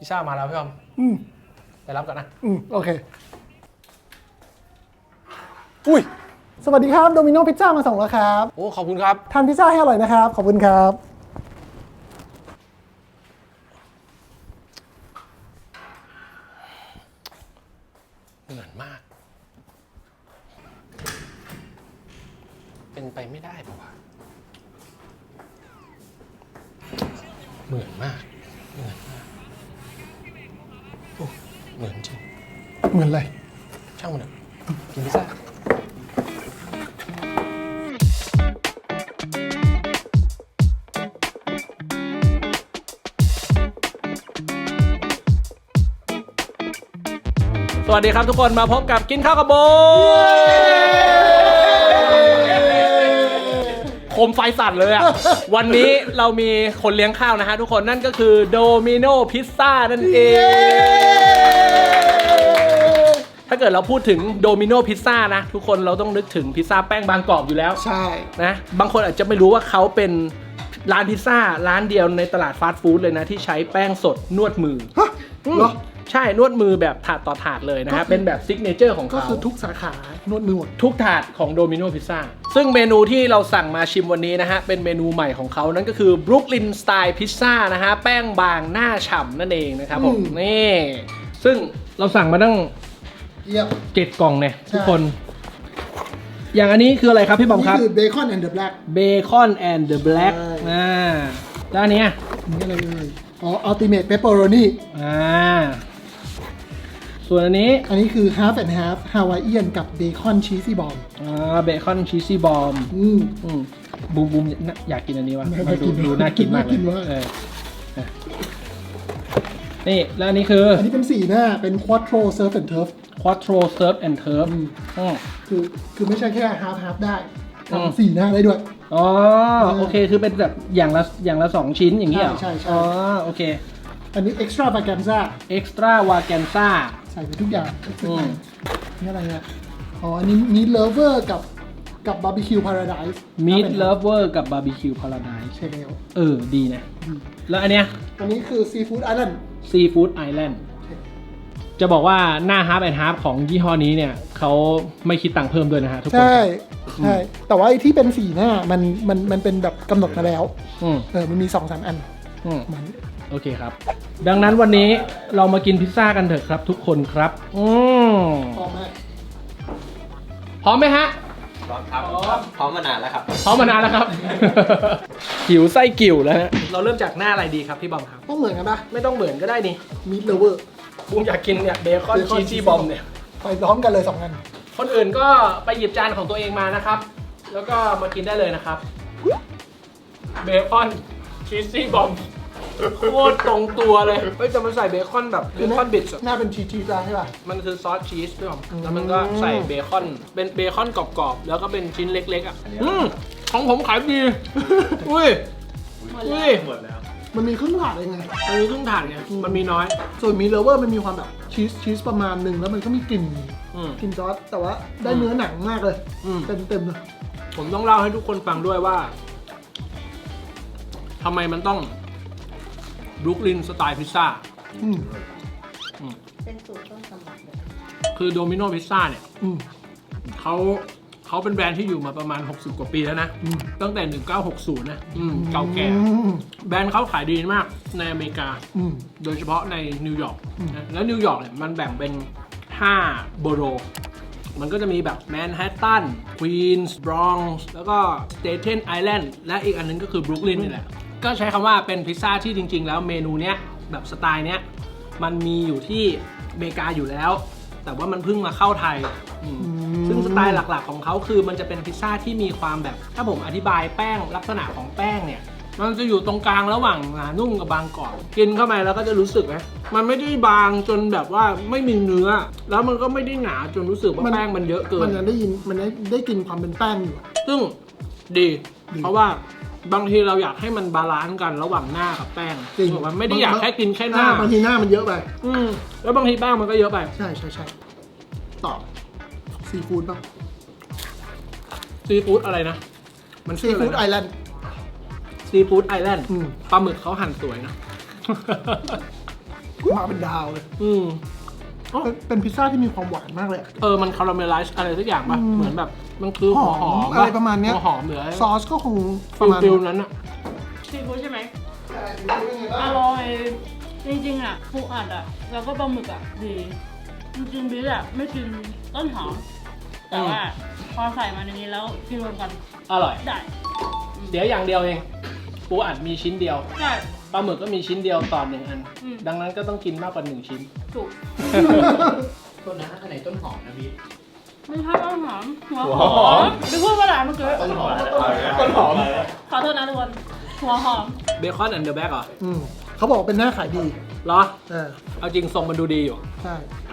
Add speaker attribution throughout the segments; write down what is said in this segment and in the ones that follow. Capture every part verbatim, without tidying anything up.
Speaker 1: พิซซ่ามาแล้วพี่อมอืมไปรับกันนะอืมโอเคอุ้ยสวัสดีครับโดมิโนพิซซ่ามาส่งแล้วครับโอ้ขอบคุณครับทานพิซซ่าให้อร่อยนะครับขอบคุณครับเหมือนมากเป็นไปไม่ได้ป่าวะเหมือนมากเหมือนมากโอ้เหมือนจริงเหมือนอะไรช่างมันเถอะกินพิซซ่าสวัสดีครับทุกคนมาพบกับกินข้าวกับโบโคมไฟสั่นเลยอ่ะ วันนี้เรามีคนเลี้ยงข้าวนะฮะทุกคนนั่นก็คือโดมิโนพิซซ่านั่นเองถ้าเกิดเราพูดถึงโดมิโนพิซซ่านะทุกคนเราต้องนึกถึงพิซซ่าแป้งบางกรอบอยู่แล้วใช่นะบางคนอาจจะไม่รู้ว่าเขาเป็นร้านพิซซ่าร้านเดียวในตลาดฟาสต์ฟู้ดเลยนะที่ใช้แป้งสดนวดมือเหรอใช่นวดมือแบบถาดต่อถาดเลยนะฮะเป็นแบบซิกเนเจอร์ของเขาก็คือทุกสาขานวดมือหมดทุกถาดของโดมิโนพิซซ่าซึ่งเมนูที่เราสั่งมาชิมวันนี้นะฮะเป็นเมนูใหม่ของเขานั่นก็คือบรุกลินสไตล์พิซซ่านะฮะแป้งบางหน้าฉ่ำนั่นเองนะครับผมนี่ซึ่งเราสั่งมาตั้งเจ็ดกล่องเนี่ยทุกคนอย่างอันนี้คืออะไรครับพี่บอมครับนี่คือเบคอนแอนด์เดอะแบล็กเบคอนแอนด์เดอะแบล็กอ่าแล้วอันนี้นี่อะไรเลยอ๋ออัลติเมทเปปเปอโรนีอ่าส่วนอันนี้อันนี้คือ half and half Hawaiian กับเบคอนชีสซี่บอมอ่าเบคอนชีสซี่บอมอืมอืมบูมบูมอยากกินอันนี้วะมันดูดูน่ากินมากเลยนี่แล้วอันนี้คืออันนี้เป็นสี่หน้าเป็น quattro surf and turf quattro surf and turf อืมคือคือไม่ใช่แค่ half half ได้ทำสี่หน้าได้ด้วยอ๋อโอเคคือเป็นแบบอย่างละอย่างละสองชิ้นอย่างนี้เหรอใช่ใช่อ๋อโอเคอันนี้ extra vaganza extra vaganza ใส่ไปทุกอย่างนี่อะไรเนี่ยอ๋ออันนี้ meat lover กับกับ barbecue paradise meat lover กับ barbecue paradise ใช่แล้วเออดีนะแล้วอันเนี้ยอันนี้คือ seafood island seafood island จะบอกว่าหน้า half and half ของยี่ห้อนี้เนี่ยเขาไม่คิดตังค์เพิ่มด้วยนะฮะทุกคนใช่ใช่แต่ว่าไอ้ที่เป็นสีหน้ามันมันมันเป็นแบบกำหนดมาแล้วเออมันมี สองสาม อันโอเคครับดังนั้นวันนี้เรามากินพิซซ่ากันเถอะครับทุกคนครับอืมพร้อมไหมพร้อมไหมฮะพร้อมครับพร้อมมานานแล้วครับพร้อมมานานแล้วครับ หิวไส้กิ่วแล้วฮะเราเริ่มจากหน้าอะไรดีครับพี่บอมครับต้องเหมือนกันปะไม่ต้องเหมือนก็ได้นี่มีดเลเวอร์บูมอยากกินเนี่ยเบคอนชีสซี่บอมเนี่ยไปพร้อมกันเลยสองอันคนอื่นก็ไปหยิบจานของตัวเองมานะครับแล้วก็มากินได้เลยนะครับเบคอนชีสซี่บอมโคตรตรงตัวเลยเฮ้ยจะมันใส่เบคอนแบบเบคอนบิทส์หน้าเป็นชีสชีสใช่ป่ะมันคือซอสชีสด้วยแล้วมันก็ใส่เบคอนเป็นเบคอนกรอบๆแล้วก็เป็นชิ้นเล็กๆอ่ะอืมของผมขายดีอุ้ยอุ้ยหมดแล้วมันมีครึ่งถาดเองไงมันมีครึ่งถาดเนี่ยมันมีน้อยส่วนมีเลเวอร์มันมีความแบบชีสชีสประมาณหนึ่งแล้วมันก็มีกลิ่นกลิ่นซอสแต่ว่าได้เนื้อหนังมากเลยเต็มเต็มเลยผมต้องเล่าให้ทุกคนฟังด้วยว่าทำไมมันต้องบรุกลินสไตล์พิซซ่า
Speaker 2: เป็นสูตรต้นตำรับเลย
Speaker 1: คือโดมิโนพิซซ่าเนี่ยเขาเขาเป็นแบรนด์ที่อยู่มาประมาณหกสิบกว่าปีแล้วนะตั้งแต่หนึ่งเก้าหกศูนย์นะเก่าแก่แบรนด์เขาขายดีมากในอเมริกาโดยเฉพาะในนิวยอร์กแล้วนิวยอร์กเนี่ยมันแบ่งเป็นห้าโบโรมันก็จะมีแบบแมนฮัตตันควีนส์บรอนซ์แล้วก็สเตเทนไอแลนด์และอีกอันนึงก็คือบรุกลินนี่แหละก็ใช้คำว่าเป็นพิซซ่าที่จริงๆแล้วเมนูเนี้ยแบบสไตล์เนี้ยมันมีอยู่ที่อเมริกาอยู่แล้วแต่ว่ามันเพิ่งมาเข้าไทยซึ่งสไตล์หลักๆของเขาคือมันจะเป็นพิซซ่าที่มีความแบบถ้าผมอธิบายแป้งลักษณะของแป้งเนี่ยมันจะอยู่ตรงกลางระหว่างหนานุ่มกับบางกรอบกินเข้าไปแล้วก็จะรู้สึกนะมันไม่ได้บางจนแบบว่าไม่มีเนื้อแล้วมันก็ไม่ได้หนาจนรู้สึกว่าแป้งมันเยอะเกินมันได้ยินมันได้กินความเป็นแป้งอยู่ซึ่งดีเพราะว่าบางทีเราอยากให้มันบาลานซ์กันระหว่างหน้ากับแป้งจริงมันไม่ได้อยากแค่กินแค่หน้าบางทีหน้ามันเยอะไปอืมแล้วบางทีแป้งมันก็เยอะไปใช่ใช่ใช่ต่อซีฟู้ดป่ะซีฟู้ดอะไรนะมันซีฟู้ดไอแลนด์ซีฟู้ดไอแลนด์ปลาหมึกเขาหั่นสวยนะมาเป็นดาวเลย
Speaker 2: อืม
Speaker 1: เป็นเป็นพิซซ่าที่มีความหวานมากเลยอะ
Speaker 2: เออมันคาราเมลไลซ์อะไรสักอย่างป่ะ
Speaker 1: อืม
Speaker 2: เหมือนแบบมันคือหัวหอม
Speaker 1: อะไรประมาณเนี้ย
Speaker 2: หัวหอมหรืออะไร
Speaker 1: ซอสก็คงป
Speaker 2: ฟิ
Speaker 1: ระ
Speaker 2: ล
Speaker 1: มาณ
Speaker 2: ฟิลนั้นอะ
Speaker 3: ซีฟู้ดใช่ไหม
Speaker 1: ใช่เป็นไงบ้า
Speaker 3: อง ร่อยจริงๆอ่ะปูอัดอ่ะแล้วก็ปลาหมึกอ่ะดีจริงๆบิ๊กอ่ะไม่กินต้นหอมแต่ว่าพอใส่มาในนี้แล้วกินรวมกัน
Speaker 2: อร่อย
Speaker 3: ได้
Speaker 2: เสียอย่างเดียวเองปูอัดมีชิ้นเดียว
Speaker 3: ได้
Speaker 2: ปลาหมึกก็มีชิ้นเดียวต่อหนึ่งอัน
Speaker 3: อืม
Speaker 2: ดังนั้นก็ต้องกินมากกว่าหนึ่งชิ้น
Speaker 3: ถูก
Speaker 4: ต้นนะอันไหนต้นหอมนะพี่
Speaker 3: ไม่ใช่ต้นหอมหัว
Speaker 4: หัว
Speaker 3: ห
Speaker 4: ห
Speaker 3: อ
Speaker 4: อ
Speaker 3: ม
Speaker 4: ม
Speaker 3: บิ๊กพูดว่าอะไรเมื่อกี้
Speaker 4: ต้นหอม
Speaker 2: ต้นหอม
Speaker 3: ขอโทษนะทุกคนหัวหอม
Speaker 2: เบคอนแอนด์เดอะแบ็กเหรอ
Speaker 1: อืมเขาบอกว่าเป็นหน้าขายดี
Speaker 2: เหรอ
Speaker 1: เออ
Speaker 2: เอาจริงทรงมันดูดีอยู่
Speaker 1: ใช่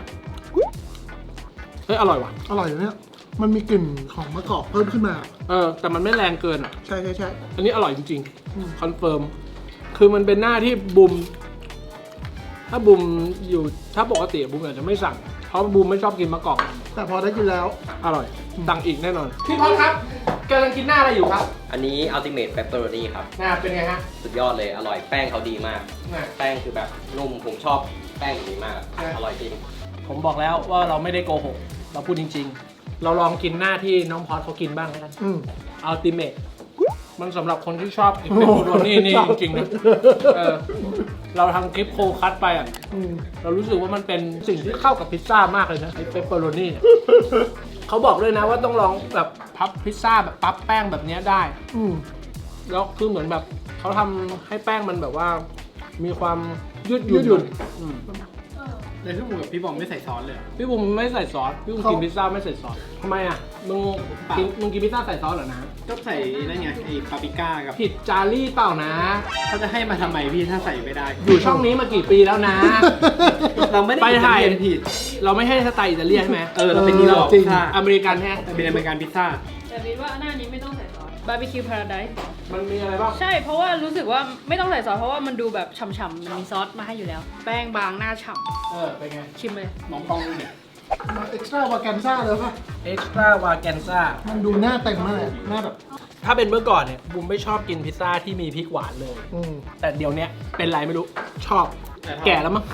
Speaker 2: เฮ้ยอร่อยว่ะ
Speaker 1: อร่อยอยู่เนี่ยมันมีกลิ่นของมะกอกเพิ่มขึ้นมา
Speaker 2: เออแต่มันไม่แรงเกินอ่ะ
Speaker 1: ใช่ใช่ใช่
Speaker 2: อันนี้อร่อยจริง
Speaker 1: อืม
Speaker 2: ๆคอนเฟิร์มคือมันเป็นหน้าที่บุมถ้าบุมอยู่ถ้าปกติบุมอาจจะไม่สั่งเพราะบุมไม่ชอบกินมะกอก
Speaker 1: แต่พอได้กินแล้ว
Speaker 2: อร่อยสั่งอีกแน่นอนพี่พอดครับกำลังกินหน้าอะไรอยู่ครับ
Speaker 5: อันนี้ Ultimate Pepperoni ครับ
Speaker 2: หน้าเป็นไงฮะ
Speaker 5: สุดยอดเลย อร่อย แป้งเขาดีมาก
Speaker 2: หน้า
Speaker 5: แป้งคือแบบนุ่ม ผมชอบแป้งแบบนี้มาก
Speaker 2: ใช่
Speaker 5: อร่อยจริง
Speaker 2: ผมบอกแล้วว่าเราไม่ได้โกหก เราพูดจริง ๆ เราลองกินหน้าที่น้องพอดเขากินบ้างแล้วกัน
Speaker 1: อืม
Speaker 2: อัลติเมทมันสำหรับคนที่ชอบกินเปปเปอโรนี่นี่จริงๆนะเออเราทำคลิปโคคัตไปอ่ะ
Speaker 1: อืม
Speaker 2: เรารู้สึกว่ามันเป็นสิ่งที่เข้ากับพิซซ่ามากเลยนะไอ้เปปเปอโรนี่เนี่ยเขาบอกเลยนะว่าต้องลองแบบพับพิซซ่าแบบปั๊บแป้งแบบเนี้ยได้
Speaker 1: อืม
Speaker 2: แล้วคือเหมือนแบบเขาทำให้แป้งมันแบบว่า มีความยืดห
Speaker 1: ยื
Speaker 2: ยุ่น
Speaker 1: ดหยุ่น
Speaker 2: อืม
Speaker 4: ในพี่บุ๋มกับพี่บอมไม่ใส่ซอสเลยเหรอ
Speaker 2: พี่บุ๋มไม่ใส่ซอสพี่บุ๋ม
Speaker 1: เขา
Speaker 2: กินพิซซ่าไม่ใส่ซอสทำไมอ่ะมึงกินมึงกินพิซซ่าใส่ซอสเหรอนะ
Speaker 4: ก็ใส่นั่นไงไอ้ปาปริก้ากับ
Speaker 2: ผิดจารี่เปล่านะ
Speaker 4: เขาจะให้มาทำไมพี่ถ้าใส่ไม่ได้
Speaker 2: อยู่ช่องนี้มากี่ปีแล้วนะ
Speaker 4: เราไม่ได้
Speaker 2: ไปถ่าย
Speaker 4: อิตเลีนผิด
Speaker 2: เราไม่ให้สไตล์อิตาเลียนใช่ไหม
Speaker 4: เออเราเป็นนิวยอร์ก
Speaker 1: จริง
Speaker 4: พิซซ่า
Speaker 2: อเมริกันแท้
Speaker 4: เป็นอเมริกันพิซซ่า
Speaker 3: แต่บิ๊กว่าหน้านี้ไม่ต้องใส่ซอสบาร์บีคิวพาราไดซ์
Speaker 2: มันมีอะไรบ้าง
Speaker 3: ใช่เพราะว่ารู้สึกว่าไม่ต้องใส่ซอสเพราะว่ามันดูแบบฉ่ำๆมันมีซอสมาให้อยู่แล้ว แป้งบางหน้าฉ่
Speaker 2: เออเป็นไง
Speaker 3: ำชิมเลย
Speaker 4: มองกล้องดูเนี่ย
Speaker 1: มาเอ็กซ์ตร้าวาแกนซ่าเลยป่ะ
Speaker 2: เอ็กซ์ตร้าวาแกนซ่า
Speaker 1: มันดูหน้าเต็มมากเลยหน้าแบบ
Speaker 2: ถ้าเป็นเมื่อก่อนเนี่ยบุมไม่ชอบกินพิซซ่าที่มีพริกหวานเลย
Speaker 1: อืม
Speaker 2: แต่เดี๋ยวเนี้ยเป็นไรไม่รู้ชอบ
Speaker 4: แต่ชอบ
Speaker 2: แก่แล้วมั้ง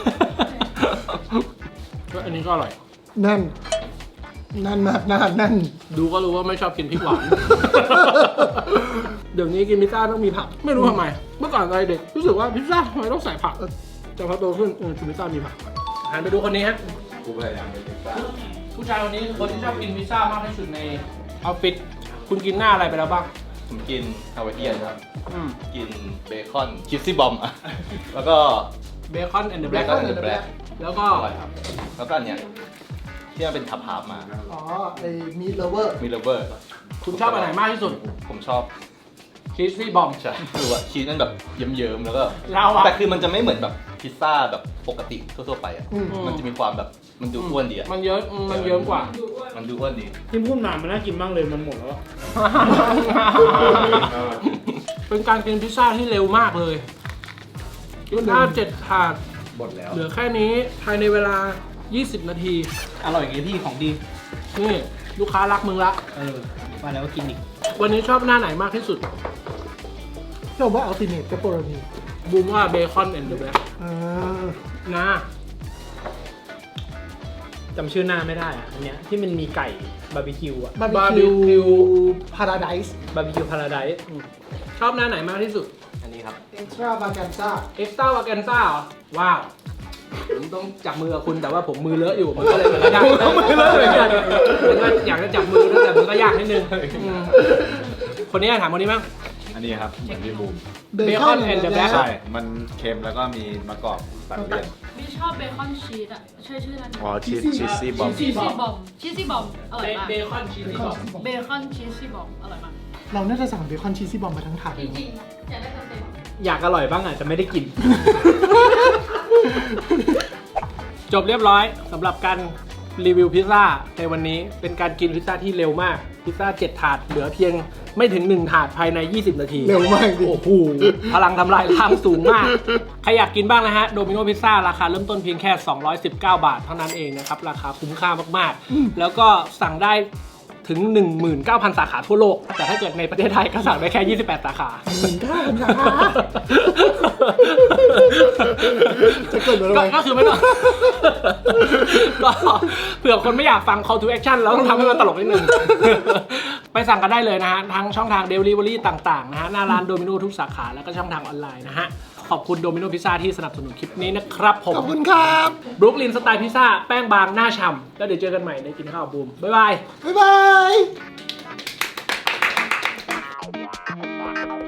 Speaker 2: อันนี้ก็อร่อย
Speaker 1: นั่น นั่นมากหน้านั่น
Speaker 2: ดูก็รู้ว่าไม่ชอบกินพริกหวาน เดี๋ยวนี้กินพิซซ่าต้องมีผัก ไม่รู้ทำไม เมื่อก่อนตอนเด็กรู้สึกว่าพิซซ่าทำไมต้องใส่ผัก แต่พอโตขึ้นเออกินพิซซ่ามีผักหันไปดูคนนี้ฮะ
Speaker 5: กูพยายามเป็นพิซซ่า
Speaker 2: ผู้ชายคนนี้คือคนที่ชอบกินพิซซ่ามากที่สุดในออฟฟิศคุณกินหน้าอะไรไปแล้วบ้าง
Speaker 6: ผมกินฮาวายเอียนครับ
Speaker 2: อืม
Speaker 6: กินเบคอนคิสซี่บอมอ่ะ แล้วก็
Speaker 2: เบคอนแอนด์เดอะ
Speaker 6: เบ
Speaker 2: แบล็ก
Speaker 6: คอนแอนด์แบล็ก
Speaker 2: แล้วก็
Speaker 6: อร่อยครับ แล้วก็อันเนี้ยที่มันเป็นทับฮาร์ฟมา
Speaker 1: อ๋อ ไอ้มีเลเวอร์
Speaker 6: มีเลเวอร์
Speaker 2: คุณชอบอันไหนมากที่สุด
Speaker 6: ผมชอบ
Speaker 2: ชีสซี่บอม
Speaker 6: ใช่คือว่าชีสมันแบบเยิ้มๆแล้วก็
Speaker 2: เราอะ
Speaker 6: แต่คือมันจะไม่เหมือนแบบพิซซ่าแบบปกติทั่วๆไปอ่ะ
Speaker 1: อืม
Speaker 6: มันจะมีความแบบมันดูอ้วนดีอ่ะ
Speaker 2: มันเยอะมันเยอะกว่า
Speaker 6: มันดูอ้วนดี
Speaker 4: ที่พูดมามันน่ากินมากเลยมันหมดแล้วอะ
Speaker 2: เป็นการกินพิซซ่าที่เร็วมากเลยพิซซ่าเจ็ดถาด
Speaker 6: หมดแล้ว
Speaker 2: เหลือแค่นี้ภายในเวลา ยี่สิบ นาที
Speaker 4: อร่อยอย่างนี้พี่ของดี
Speaker 2: นี่ลูกค้ารักมึงละ
Speaker 4: เออมาแล้วก็กินอีก
Speaker 2: วันนี้ชอบหน้าไหนมากที่สุด
Speaker 1: เราว่าอัลติเมทเปปเปอโรนี
Speaker 2: บูมว่าเบคอนแอนด์เดอะแบล็ก
Speaker 1: อ่า
Speaker 2: นะ
Speaker 4: จำชื่อหน้าไม่ได้อะอันเนี้ยที่มันมีไก่บาร์บีคิวอะ
Speaker 1: บาร์บีคิวพาราไดซ์
Speaker 4: บาร์บีคิวพาราไดซ์
Speaker 2: ชอบหน้าไหนมากที่สุด
Speaker 5: อันนี้ครับ
Speaker 1: เอ็กซ์ตร้าวาแกนซ่า
Speaker 2: เอ็กซ์ต้าวาแกนซ่าเหรอ ว้าว ผมต้องจับมือกับคุณแต่ว่าผมมือเลอะอยู่ มันก็เลยมันก็ยากมือเลอะเหมือนกันมันก็อยากจะจับมือด้วยแต่มันก็ยากนิดนึงอืมคนนี้ถามคนนี้มั้ง
Speaker 7: อันนี้ครับเหมือนพี่บูม
Speaker 2: Bacon and the Black
Speaker 7: ใช่ มันเค็มแล้วก็มีมะกอกตัดเลี่ยน
Speaker 3: บิ๊กชอบเบคอนชีสอ่ะใช่ชื่อนั้น
Speaker 7: อ๋อชีสชีสซี่บอม
Speaker 3: ชีสซี่บอมชีสซี่บอมอร่อยมาก
Speaker 2: เบคอนชีสบอม
Speaker 3: เบคอนชีสซี่บอมอร่อยมาก
Speaker 1: เราน่าจะสั่งเบคอนชีสซี่บอมมาทั้งถาด
Speaker 3: จริงๆอยากได้เต็ม
Speaker 4: อยากอร่อยบ้างอะแต่ไม่ได้กิน
Speaker 2: จบเรียบร้อยสำหรับการรีวิวพิซซ่าในวันนี้เป็นการกินพิซซ่าที่เร็วมากพิซซ่าเจ็ดถาดเหลือเพียงไม่ถึงหนึ่งถาดภายในยี่สิบนาที
Speaker 1: เร็วมากดิ
Speaker 2: โอ้โหพลังทำลายล้างสูงมากใครอยากกินบ้างนะฮะโดมิโนพิซซ่าราคาเริ่มต้นเพียงแค่สองร้อยสิบเก้าบาทเท่านั้นเองนะครับราคาคุ้มค่ามากๆแล้วก็สั่งได้ถึง หนึ่งหมื่นเก้าพัน สาขาทั่วโลกแต่ถ้าเกิดในประเทศไทยก็สั่งได้แค่ยี่สิบแปดสาขา
Speaker 1: หมื่นเก้าพันสาขาจะเกิดอะไร
Speaker 2: ก็ก็คือไม่ต้อง ก็เผื่อคนไม่อยากฟัง call to action แล้วต้องทำให้มันตลกนิดนึง ไปสั่งกันได้เลยนะฮะ ทั้งช่องทาง delivery ต่างๆนะฮะ หน้าร้านโดมิโนทุกสาขา แล้วก็ช่องทางออนไลน์นะฮะ ขอบคุณโดมิโนพิซซ่าที่สนับสนุนคลิปนี้นะครับผม
Speaker 1: ขอบคุณครับ
Speaker 2: บรุกลินสไตล์พิซซ่าแป้งบางหน้าฉ่ำแล้วเดี๋ยวเจอกันใหม่ในกินข้าวบูม บ๊ายบาย
Speaker 1: บ๊ายบาย